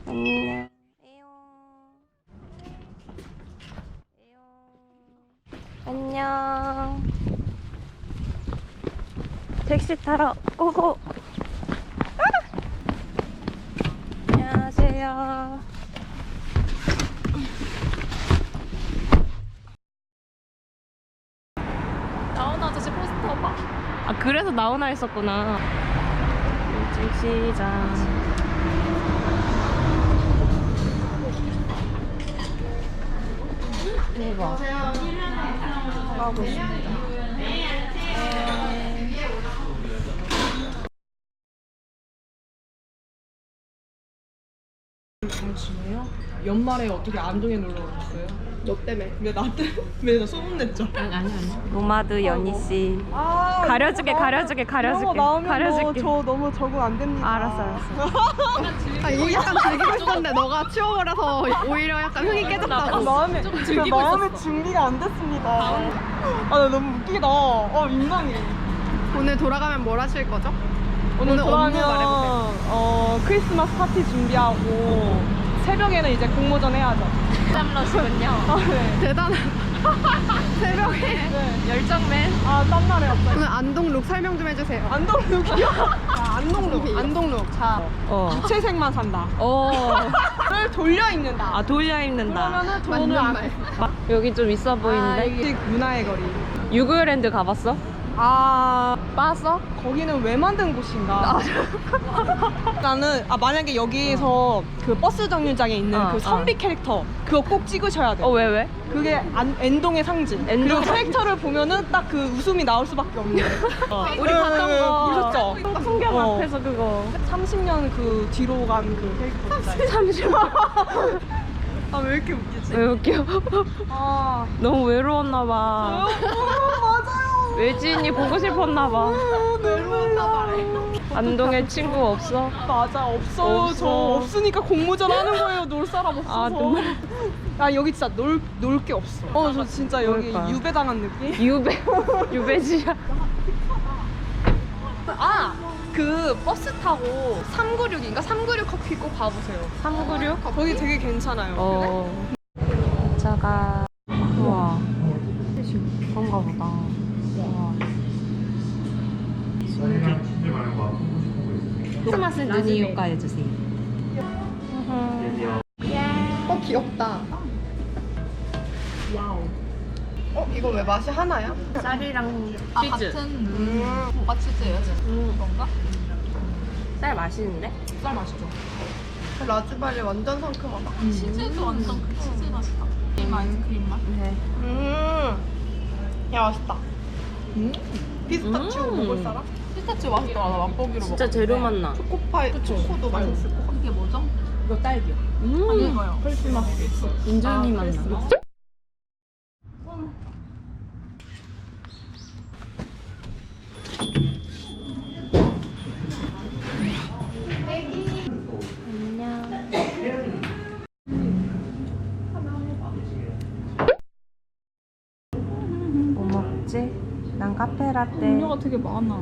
안녕. 안녕. 택시 타러 고고. 안녕하세요. 나훈아 아저씨 포스터 봐. 아, 그래서 나훈아 했었구나. 일찍 시작. 대박. 가고 싶다. 당신이요? 연말에 어떻게 안동에 놀러 오셨어요? 너 때문에. 왜 나 소문냈죠? 아니. 노마드 연희 씨. 아, 가려주게. 가려줄게. 저 너무 적응 안 됩니다. 알았어. 아, 이거 약간 즐기고 싶었는데 너가 치워버려서 오히려 약간 흥이 깨졌다고. 마음에 준비가 안 됐습니다. 아, 나 너무 웃기다. 민망해. 오늘 돌아가면 뭘 하실 거죠? 오늘 업무 말해보세요. 돌아가면 크리스마스 파티 준비하고 새벽에는 이제 공모전 해야죠. 땀러시군요. 네. 대단하다. 새벽에. 네. 열정맨. 땀나네 갑자기. 오늘 안동 룩 설명 좀 해주세요. 안동룩이요? 안동룩. 자, 무채색만 산다. 를 돌려 입는다. 아, 돌려 입는다. 그러면은 돈을 맞는 안 말. 여기 좀 있어 보이는데? 이게 문화의 거리. 유구랜드 가봤어? 빠았어? 거기는 왜 만든 곳인가? 나는 만약에 여기에서 그 버스 정류장에 있는 그 선비 캐릭터 그거 꼭 찍으셔야 돼. 왜? 그게 엔동의 상징. 그리고 캐릭터를 보면은 딱 그 웃음이 나올 수밖에 없는. 우리 봤던 거. 보셨죠? 풍경 앞에서 그거. 30년 그 뒤로 간 그 캐릭터. 30년. 왜 이렇게 웃기지? 왜 웃겨? 너무 외로웠나 봐. 맞아요. 외지인이 보고 싶었나 봐. 외로웠나 봐래. 안동에 친구 없어? 맞아, 없어요. 없어. 저 없으니까 공모전 하는 거예요. 놀 사람 없어서. 여기 진짜 놀 게 없어. 저 진짜 여기 그러니까. 유배당한 느낌? 유배지야. 그 버스 타고 396인가? 396 커피 꼭 가보세요. 396? 거기 되게 괜찮아요. 차가. 우와. 그런가 보다. 우와. 크리스마스 눈이 효과해주세요. 귀엽다. 이거 왜 맛이 하나야? 쌀이랑 치즈. 뭐가 치즈예요? 그런가? 쌀 맛있는데? 쌀 맛있죠? 라즈베리 완전 상큼하다. 치즈도 완전 그 치즈 맛이다. 크림 아이스크림 맛. 네. 야, 맛있다. 피스타치오 먹을 사람? 피스타치오 맛있더라. 나 맛보기로 진짜 재료 맛나. 초코파이, 초코도 맛있을 것 같아. 이게 뭐죠? 이거 딸기요. 이거요. 인절미 맛나. 뭐 먹지? 난 카페라떼. 음료가 되게 많아.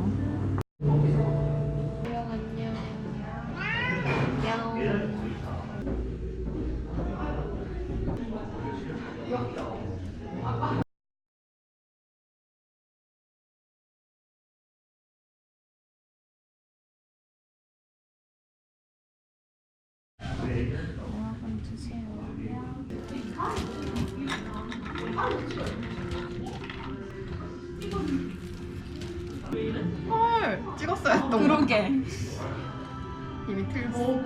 헐, 찍었어야 했던 거. 그러게. 이미 틀고.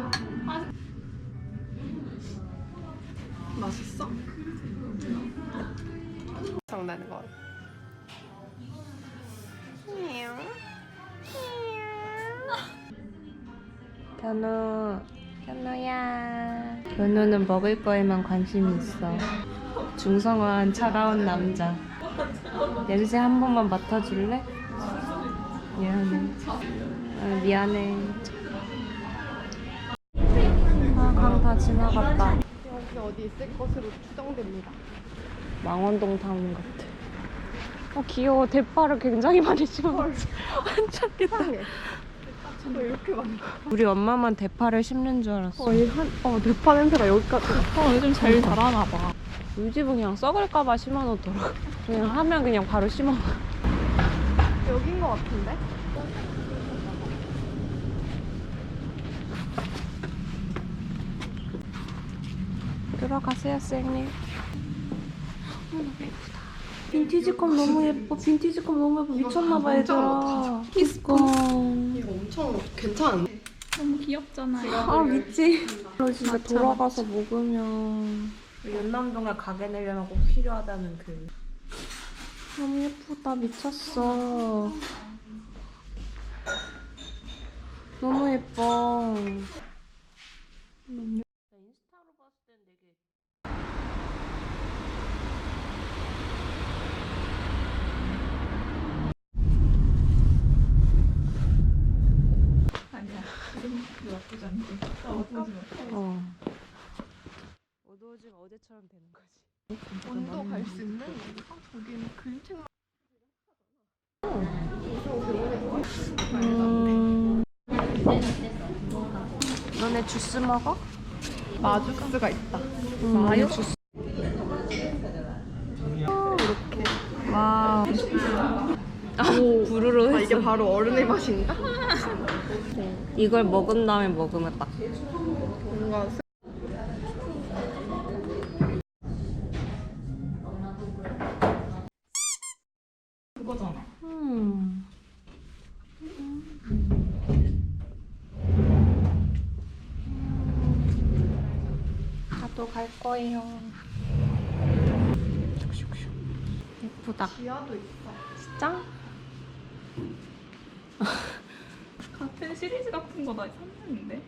맛있어? 장난인 거. 현우야. 현우는 먹을 거에만 관심이 있어. 중성화한 차가운 남자. 냄새 한 번만 맡아줄래? 미안해. 미안해. 강 다 지나갔다. 여기 어디 있을 것으로 추정됩니다. 망원동 타운 같아. 귀여워. 대파를 굉장히 많이 심어놨어. 완전 귀엽다. 이상해. 왜 이렇게 많아? 우리 엄마만 대파를 심는 줄 알았어. 대파 냄새가 여기까지. 요즘 제일 잘하나 봐. 우리 집은 그냥 썩을까봐 심어놓더라고. 그냥 하면 그냥 바로 심어. 여긴 거 같은데? 들어가세요, 쌤님. 너무 예쁘다. 빈티지컵 너무 예뻐. 빈티지컵 너무 예뻐. 미쳤나봐, 얘들아. 키스콘. 이거 엄청 괜찮은데? 너무 귀엽잖아요. 아, 미치. 너 진짜 돌아가서 먹으면 연남동에 가게 내려면 꼭 필요하다는 그. 너무 예쁘다. 미쳤어. 너무 예뻐. 인스타로 봤을 땐 되게 아니야. 지금 나쁘지 않게. 어두워지면 어제처럼 되는 거지. 원도 갈 수 있는? 거기는 그림책만. 너네 주스 먹어? 마주스가 있다. 마요? 주스. 와. 부르르 했어. 이게 바로 어른의 맛인가? 이걸 먹은 다음에 먹으면 딱. 뭔가 그거잖아. 나도 갈 거예요. 슉슉슉. 예쁘다. 지하도 있어. 진짜? 같은 시리즈 같은 거 나 샀는데.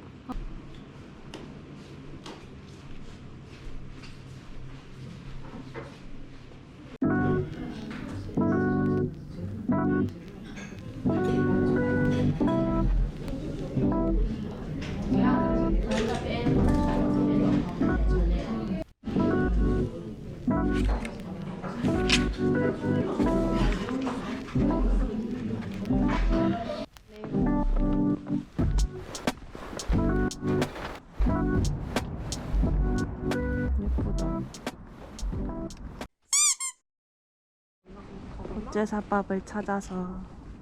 예쁘다. 국제사밥을 찾아서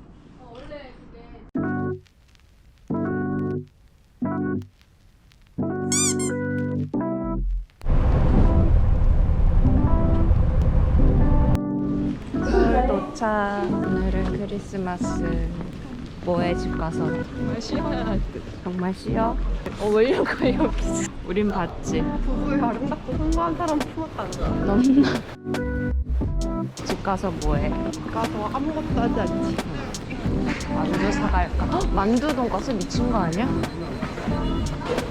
서울 도착. 오늘은 크리스마스. 뭐해 집 가서? 정말 쉬어야 할 듯. 정말 쉬어? 왜려고 여기? 우린 봤지. 부부의 아름답고 성공한 사람 품었다는 거. 넘나. 집 가서 뭐해? 가서 아무것도 하지 않지. 만두 사갈까? 만두 돈가스 미친 거 아니야?